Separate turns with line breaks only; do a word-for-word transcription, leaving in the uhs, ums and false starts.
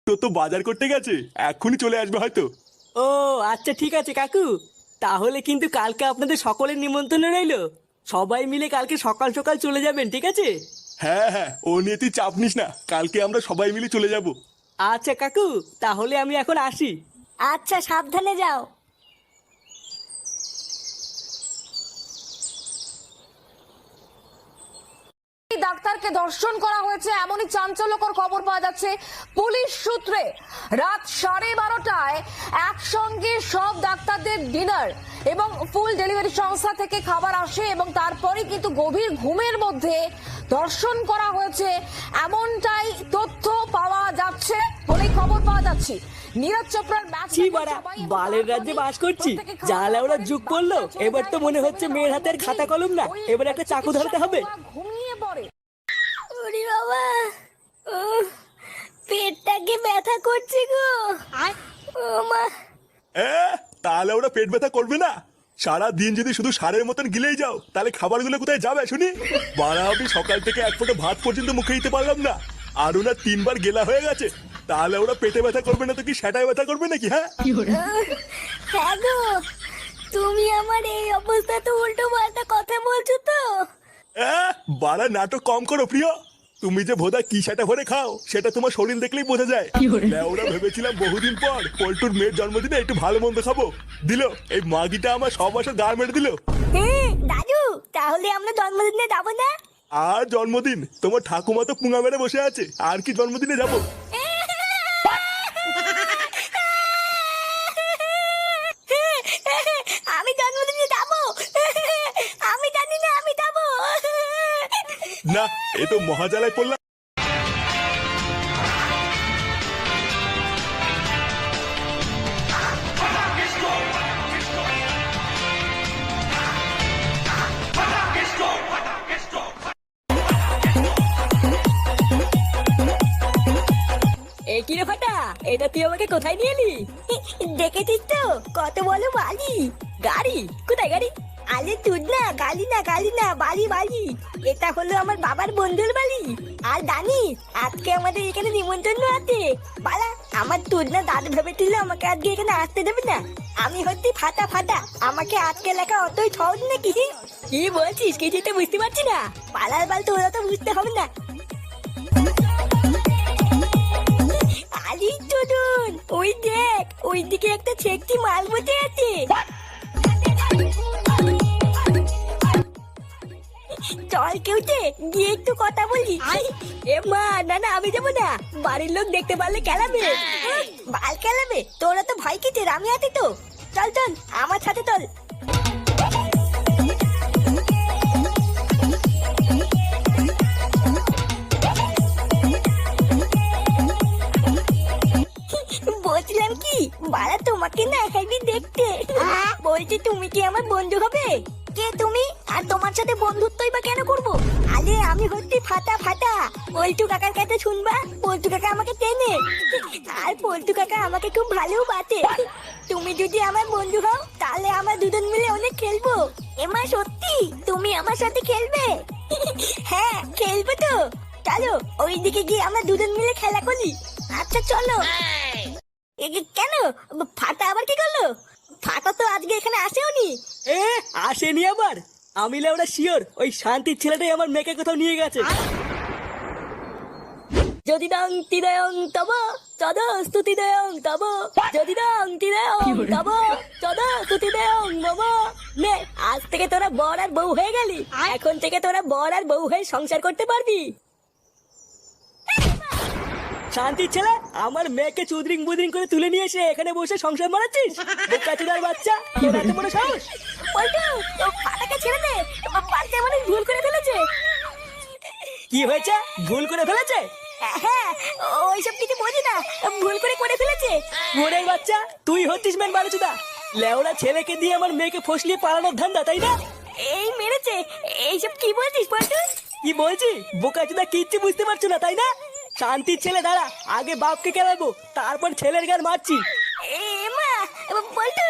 তোর তো বাজার করতে গেছে, এক্ষুনি চলে আসবে হয়তো।
ও আচ্ছা ঠিক আছে কাকু, তাহলে কিন্তু কালকে আপনাদের সকলের নিমন্ত্রণ রইলো। সবাই মিলে কালকে সকাল সকাল চলে যাবেন, ঠিক আছে?
হ্যাঁ হ্যাঁ, ও নিয়ে তুই চাপ নিস না, কালকে আমরা সবাই মিলে চলে যাব।
আচ্ছা কাকু, তাহলে আমি এখন আসি।
আচ্ছা, সাবধানে যাও।
ডাক্তারকে ধর্ষণ করা হয়েছে এমনই চাঞ্চল্যকর খবর পাওয়া যাচ্ছে পুলিশ সূত্রে। রাত সাড়ে বারোটায় একসঙ্গে সব ডাক্তারদের ডিনার এবং ফুল ডেলিভারি সংস্থা থেকে খাবার আসে এবং তারপরে কিন্তু গভীর ঘুমের মধ্যে ধর্ষণ করা হয়েছে এমনটাই তথ্য পাওয়া যাচ্ছে বলে খবর পাওয়া যাচ্ছে। নীরজ চোপড়ার ম্যাচ
বালের রাজ্যে বাস করছি, জালা ওরা যুগ করলো। এবার তো মনে হচ্ছে মেয়ের হাতের খাতা কলম না, এবার একটা চাকু ধরতে হবে।
ঘুমিয়ে পড়ে।
ওরে বাবা, উহ, পেটটাকে ব্যথা করছে গো। ও মা।
এ, তাহলে ওরা পেট ব্যথা করবে না? সারা দিন যদি শুধু সারের মতন গিলেই যাও, তাহলে খাবারগুলো কোথায় যাবে শুনি? বাড়া, আমি সকাল থেকে এক ফোঁটা ভাত পর্যন্ত মুখে দিতে পারলাম না, আর ওনার তিনবার গেলা হয়ে গেছে। তাহলে ওরা পেটে ব্যথা করবে না তো কি সেটাই ব্যথা করবে নাকি? হ্যাঁ
হ্যাঁ গো, তুমি আমার এই অবস্থা তো উল্টো পাল্টা কথা বলছো তো।
এ, বাড়া নাটক কম করো প্রিয়। তুমি যে ভোদা কি সেটা ভরে খাও, সেটা তোমার শরীর দেখলেই বোঝা যায়। ওরা ভেবেছিলাম বহুদিন পর পল্টুর মেয়ের জন্মদিনে একটু ভালো মন্দ খাবো, দিল এই মাগিটা আমার সব বছর গা মেরে দিল।
হ্যাঁ দাদু, তাহলে আমরা জন্মদিনে যাবো না?
আর জন্মদিন? তোমার ঠাকুমা তো পুঙা মেরে বসে আছে, আর কি জন্মদিনে যাবো?
আমি জন্মদিনে যাবো, আমি জানি না আমি যাবো।
না, এ তো মহাজালায় পড়লাম।
এ কি রে ফাটা, এটা তুই আমাকে কোথায় নিয়ে এলি?
দেখেছিস তো কত বলো বালি।
গাড়ি? কোথায় গাড়ি?
আরে তুই না, গালি না গালি না, বালি বালি। এটা হলো আমার বাবার বন্ধুর বাড়ি। আর জানিস আজকে আমাদের এখানে নিমন্ত্রণ আছে। বালা, আমার তুই না দাদু ভেবেছিল আমাকে আজকে এখানে আসতে দেবে না। আমি হচ্ছি ফাটা ফাটা, আমাকে আজকে লেখা অতই সহজ নাকি?
কি বলছিস, কিছুই তো বুঝতে পারছি না।
পালার বাল তো ওরা তো বুঝতে হবে না। আলি চলুন, ওই দেখ, ওই দিকে একটা ছেকটি মাল বসে আছে। চল কেউতে গিয়ে একটু কথা বলি।
এ মা, না না আমি যাবো না, বাড়ির লোক দেখতে পারলে কেলাবে।
বাল খেলাবে? তোরা তো ভয় কিসের, আমি আছি তো। চল চল আমার সাথে চল। বলছিলাম কি, বাড়া তোমাকে না একাই দেখতে। বলছি তুমি কি আমার বন্ধু হবে? কে তুমি? আর তোমার সাথে বন্ধুত্বই বা কেন করবো? আরে আমি হচ্ছি ফাটা ফাটা, পল্টু কাকার কাছে শুনবা, পল্টু কাকা আমাকে চেনে। আর পল্টু কাকা আমাকে খুব ভালোবাসে। তুমি যদি আমার বন্ধু হও তাহলে আমরা দুজন মিলে অনেক খেলবো। এমা সত্যি তুমি আমার সাথে খেলবে? হ্যাঁ খেলবো তো। চলো ওইদিকে গিয়ে আমরা দুজন মিলে খেলা করি। আচ্ছা চলো। কেন ফাটা আবার কি করলো? ফাটা তো আজকে এখানে আসেওনি।
এ আসেনি আবার? আমি ওরা শিওর ওই শান্তির ছেলেটাই আমার মেয়েকে কোথাও নিয়ে গেছে। যদি দং তিদয়ং তব তদ স্তুতি দেয়ং তব, যদি দং তিদয়ং তব তদ স্তুতি দেয়ং মম। নে, আজ থেকে তোরা বর আর বউ হয়ে গেলি। এখন থেকে তোরা বর আর বউ হয়ে সংসার করতে পারবি। শান্তির ছেলে, আমার মেয়েকে চুদরিং বুদরিং করে তুলে নিয়ে এসে এখানে বসে সংসার মারাচ্ছিস? বোকাচোদার বাচ্চা, তোর এত বড় সাহস!
পল্টু, ও ফাটাকে ছেড়ে দে, বাচ্চা মানুষ ভুল করে ফেলেছে।
কি হয়েছে? ভুল করে ফেলেছে?
হ্যাঁ, ওইসব কিছু বুঝি না, ভুল করে করে ফেলেছে।
ওরের বাচ্চা, তুই হচ্ছিস মেন বারোচোদা। লেওড়া ছেলেকে দিয়ে আমার মেয়েকে ফসলিয়ে পালানোর ধান্দা, তাই না?
এই মেরেছে, এইসব কি বলছিস পল্টু?
কি বলছি? বোকাচোদা কিচ্ছু বুঝতে পারছো না, তাই না? শান্তির ছেলে দাঁড়া, আগে বাপকে কেলাবো, তারপর ছেলের গান মারছি।
এ মা, পল্টু